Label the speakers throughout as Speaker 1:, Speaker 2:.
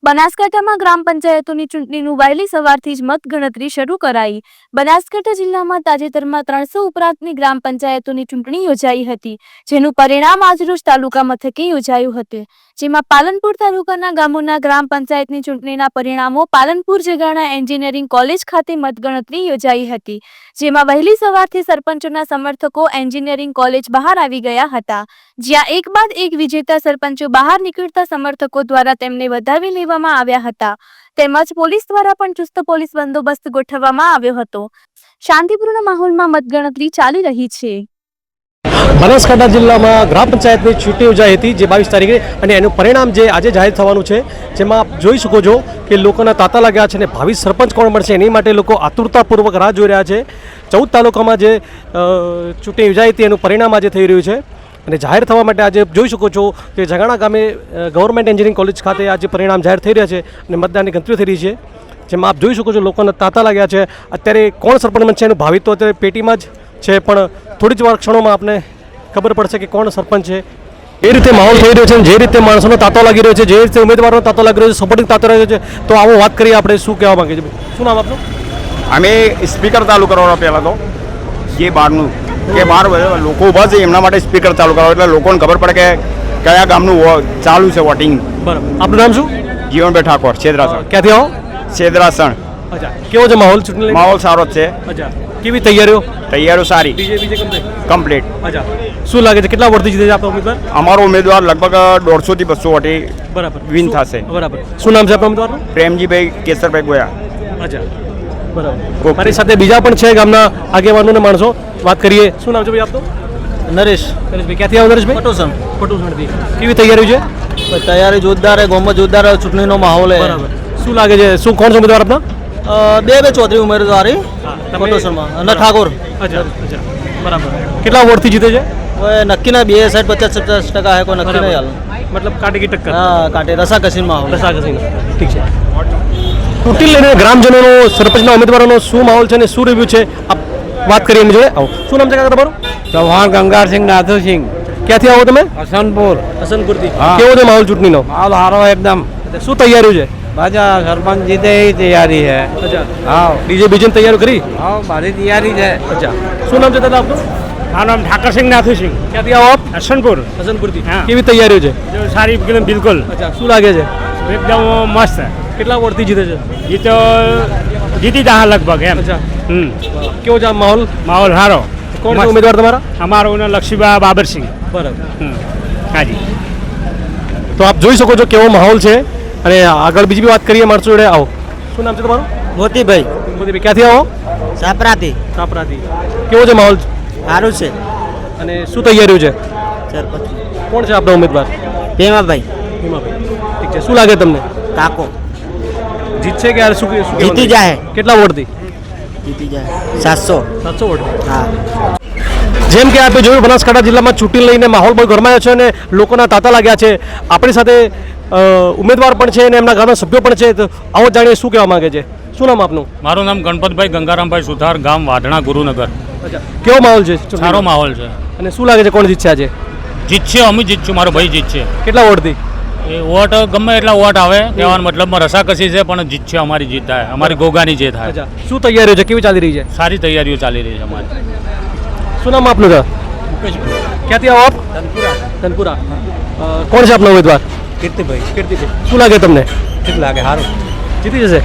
Speaker 1: બનાસકાંઠામાં ગ્રામ પંચાયતોની ચૂંટણીનું વહેલી સવારથી જ મતગણતરી શરૂ કરાઈ। બનાસકાંઠા જિલ્લામાં તાજેતરમાં 300 ઉપરાંતની ગ્રામ પંચાયતોની ચૂંટણી યોજાઈ હતી, જેનું પરિણામ આજરોજ તાલુકા મથકે યોજાયું હતું, જેમાં પાલનપુર તાલુકાના ગામોના ગ્રામ પંચાયતની ચૂંટણીના પરિણામો પાલનપુર જગાણા એન્જિનિયરિંગ કોલેજ ખાતે મતગણતરી યોજાઈ હતી, જેમાં વહેલી સવારથી સરપંચોના સમર્થકો એન્જિનિયરિંગ કોલેજ બહાર આવી ગયા હતા, જ્યાં એક બાદ એક વિજેતા સરપંચો બહાર નીકળતા સમર્થકો દ્વારા તેમને વધાવી લેવામાં આવ્યા હતા, તેમજ પોલીસ દ્વારા પણ ચુસ્ત પોલીસ બંદોબસ્ત ગોઠવવામાં આવ્યો હતો। શાંતિપૂર્ણ માહોલમાં મતગણતરી ચાલી રહી છે।
Speaker 2: બનાસકાંઠા જિલ્લામાં ગ્રામ પંચાયતની ચૂંટણી યોજાઈ હતી, જે 22 તારીખે, અને એનું પરિણામ જે આજે જાહેર થવાનું છે, જેમાં આપ જોઈ શકો છો કે લોકોના તાતા લાગ્યા છે અને ભાવિ સરપંચ કોણ મળશે એની માટે લોકો આતુરતાપૂર્વક રાહ જોઈ રહ્યા છે। 14 તાલુકામાં જે ચૂંટણી યોજાઈ હતી એનું પરિણામ આજે થઈ રહ્યું છે અને જાહેર થવા માટે આજે જોઈ શકો છો કે જગાણા ગામે ગવર્મેન્ટ એન્જિનિયરિંગ કોલેજ ખાતે આજે પરિણામ જાહેર થઈ રહ્યા છે અને મતદાનની ગણતરી થઈ રહી છે, જેમાં આપ જોઈ શકો છો લોકોના તાતા લાગ્યા છે। અત્યારે કોણ સરપંચ બનશે એનું ભાવિ તો અત્યારે પેટીમાં જ છે, પણ થોડી જ વાર ક્ષણોમાં આપને ખબર પડશે કે કોણ સરપંચ છે। એ રીતે માહોલ થઈ રહ્યો છે, જે રીતે માણસોનો તાતો લાગી રહ્યો છે, જે રીતે ઉમેદવારોનો તાતો લાગી રહ્યો છે, સપોર્ટિંગ તાતો લાગી રહ્યો છે, તો આવો વાત કરીએ આપણે શું કહેવા માંગે છે। શું નામ આપનું?
Speaker 3: અમે સ્પીકર ચાલુ કરવાનો પહેલાં તો જે બહારનું કે બહાર લોકો ઊભા છે એમના માટે સ્પીકર ચાલુ કરાવો એટલે લોકોને ખબર પડે કે કયા ગામનું ચાલુ છે વોટિંગ।
Speaker 2: બરાબર, આપનું નામ શું?
Speaker 3: જીવનભાઈ ઠાકોર, છેદરાસણ।
Speaker 2: ક્યાંથી આવો?
Speaker 3: છેદરાસણ।
Speaker 2: અચ્છા, કેવો છે માહોલ ચૂંટણી?
Speaker 3: માહોલ સારો જ છે।
Speaker 2: અચ્છા, કેવી તૈયારીઓ?
Speaker 3: તૈયારીઓ સારી,
Speaker 2: બીજે
Speaker 3: કમ્પ્લીટ।
Speaker 2: અચ્છા, શું લાગે છે કેટલા વોટથી જીતે છે આપનો ઉમેદવાર?
Speaker 3: અમારો ઉમેદવાર લગભગ 150 થી 200 વોટે
Speaker 2: બરાબર
Speaker 3: વિન થશે।
Speaker 2: બરાબર, શું નામ છે આપના ઉમેદવારનું?
Speaker 3: પ્રેમજીભાઈ કેસરભાઈ ગોયા।
Speaker 2: અચ્છા, બરાબર। મારી સાથે બીજા પણ છે ગામના આગેવાનો ને માણસો, વાત કરીએ। શું નામ છે ભાઈ આપનું?
Speaker 4: નરેશભાઈ।
Speaker 2: ક્યાંથી આવો નરેશભાઈ?
Speaker 4: પટોસણથી।
Speaker 2: કેવી તૈયારી છે?
Speaker 4: તૈયારી જોરદાર है, गाँव में जोरदार चूंटनी माहौल है।
Speaker 2: બરાબર, શું લાગે છે શું કોણ છે ઉમેદવાર આપના?
Speaker 4: બે ચૌધરી ઉમેદવારી પટોસણમાં અને ઠાકોર।
Speaker 2: અચ્છા અચ્છા, બરાબર। કેટલા વોટથી જીતે છે?
Speaker 4: હવે નક્કી ના 60, 50, 50% है, કોઈ નક્કી નહીં હાલ।
Speaker 2: મતલબ કાંટે કી ટક્કર?
Speaker 4: હા, કાંટે રસાકસીનો માહોલ।
Speaker 2: રસાકસીનો, ઠીક છે। ચૂંટણી લઈને ગ્રામજનોનો, સરપંચના ઉમેદવારોનો શું માહોલ છે અને શું રિવ્યુ છે આપ વાત કરીએ એમની જોડે। આવો, શું નામ છે કાકા તમારું?
Speaker 5: ચૌહાણ ગંગારસિંહ નાથુસિંહ।
Speaker 2: ક્યાંથી આવો તમે?
Speaker 5: હસનપુરથી।
Speaker 2: કેવો છે માહોલ ચૂંટણીનો?
Speaker 5: માહોલ સારો એકદમ।
Speaker 2: શું તૈયારી છે?
Speaker 5: બાજા સરપંચ જીતે એ તૈયારી છે।
Speaker 2: અચ્છા,
Speaker 5: હા,
Speaker 2: બીજેની તૈયારી કરી?
Speaker 5: હા, મારી તૈયારી છે।
Speaker 2: અચ્છા, શું નામ છે દાદા આપનું?
Speaker 6: મારું નામ ઠાકરસિંહ નાથુસિંહ।
Speaker 2: ક્યાંથી આવો આપ?
Speaker 6: હસનપુરથી।
Speaker 2: હા, કેવી તૈયારીઓ છે?
Speaker 6: સારી એકદમ બિલકુલ।
Speaker 2: અચ્છા, શું લાગે છે
Speaker 6: એકદમ મસ્ત।
Speaker 2: કેટલા વોટથી જીતે છે?
Speaker 6: એ તો જીતી જા લગભગ એમ।
Speaker 2: અચ્છા, કેવો છે આ માહોલ?
Speaker 6: માહોલ સારો।
Speaker 2: કોણ છે ઉમેદવાર તમારા?
Speaker 6: અમારો લક્ષ્મીબા બાબરસિંહ।
Speaker 2: બરાબર,
Speaker 6: હાજી।
Speaker 2: તો આપ જોઈ શકો છો કેવો માહોલ છે અને આગળ બીજી બી વાત કરીએ માણસો જોડે। આવો, શું નામ છે તમારું?
Speaker 4: મોતીભાઈ
Speaker 2: મોતીભાઈ, ક્યાંથી આવો?
Speaker 4: સાપરાથી।
Speaker 2: કાપરાથી। કેવો છે માહોલ
Speaker 4: સારું છે।
Speaker 2: અને શું તૈયારીઓ છે?
Speaker 4: સરપંચ
Speaker 2: કોણ છે આપણા ઉમેદવાર?
Speaker 4: ભીમાભાઈ
Speaker 2: ઠીક છે, શું લાગે તમને?
Speaker 4: કાકો
Speaker 2: જીતશે કે શું કહેવાનું?
Speaker 4: જીતી જાય।
Speaker 2: કેટલા વોટથી
Speaker 4: જીતી જાય 700
Speaker 2: વોટ?
Speaker 4: હા।
Speaker 2: જેમ કે આપણે જોયું, બનાસકાંઠા જિલ્લામાં ચૂંટણી લઈને માહોલ બહુ ગરમાયો છે અને લોકોના તાતા લાગ્યા છે। આપણી સાથે ઉમેદવાર પણ છે અને એમના ગામના સભ્યો પણ છે, તો આવો જાણીએ શું કહેવા માંગે છે। શું નામ આપનું?
Speaker 7: મારું નામ ગણપતભાઈ ગંગારામભાઈ સુથાર, ગામ વાઢણા, ગુરુનગર।
Speaker 2: અચ્છા, કેવો માહોલ છે?
Speaker 7: સારો માહોલ છે।
Speaker 2: અને શું લાગે છે કોણ જીતશે આજે?
Speaker 7: જીતશે, અમે જીતશું, મારો ભાઈ જીતશે।
Speaker 2: કેટલા વોટથી?
Speaker 7: એ વોટ ગમે એટલા વોટ આવે કહેવાનો મતલબમાં રસાકસી છે, પણ જીતશે, અમારી જીત થાય, અમારી ગોગાની જે થાય।
Speaker 2: અચ્છા, શું તૈયારીઓ છે, કેવી ચાલી રહી છે?
Speaker 7: સારી તૈયારીઓ ચાલી રહી છે અમારી।
Speaker 2: શું નામ આપનું છે? ક્યાંથી આવો આપ? ધનપુરા। કોણ છે આપનો ઉમેદવાર?
Speaker 4: કીર્તિભાઈ।
Speaker 2: શું લાગે તમને?
Speaker 4: ઠીક લાગે, સારું।
Speaker 2: જીતી જશે?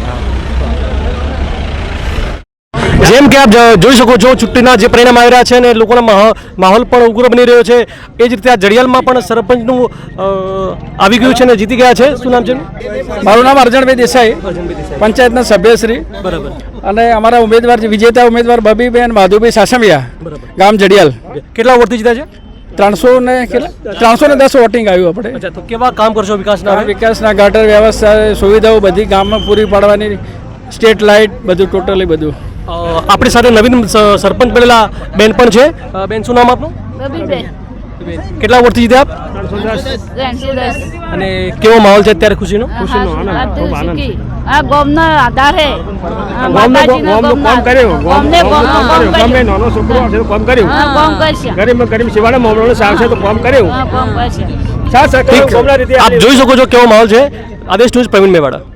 Speaker 2: જેમ કે આપ જોઈ શકો છો, ચૂંટણીના જે પરિણામ આવી રહ્યા છે અને લોકોના માહોલ પણ ઉગ્ર બની રહ્યો છે, એ જ રીતે આ જડિયાલમાં પણ સરપંચનું આવી ગયું છે અને જીતી ગયા છે। શું નામ છે?
Speaker 8: મારું નામ અર્જણભાઈ દેસાઈ, પંચાયતના સભ્યશ્રી।
Speaker 2: બરાબર,
Speaker 8: અને અમારા ઉમેદવાર વિજેતા ઉમેદવાર બબીબેન માધુભાઈ સાસમિયા, ગામ જડિયાલ।
Speaker 2: કેટલા વોટથી જીત્યા છે?
Speaker 8: 310 વોટિંગ આવ્યું આપણે।
Speaker 2: અચ્છા, તો કેવા કામ કરશો વિકાસના?
Speaker 8: વિકાસના ગટર વ્યવસ્થા, સુવિધાઓ બધી ગામમાં પૂરી પાડવાની, સ્ટ્રીટ લાઇટ બધું, ટોટલી બધું।
Speaker 2: આપણી સાથે નવીન સરપંચ બનેલા બેન પણ છે। બેન, શું નામ આપનું? કેટલા વોટથી જીત્યા આપ?
Speaker 1: 310।
Speaker 2: અને કેવો માહોલ છે અત્યારે ખુશીનો?
Speaker 1: આ ગામનો આધાર છે।
Speaker 6: કામ કર્યું, નાનો છોકરો છે તો કામ કર્યું, ગરીબ શિવાળા મામલો સાવશે તો કામ કર્યું।
Speaker 2: આપ જોઈ શકો છો કેવો માહોલ છે। આદેશ ન્યૂઝ પ્રવીણ મેવાડા.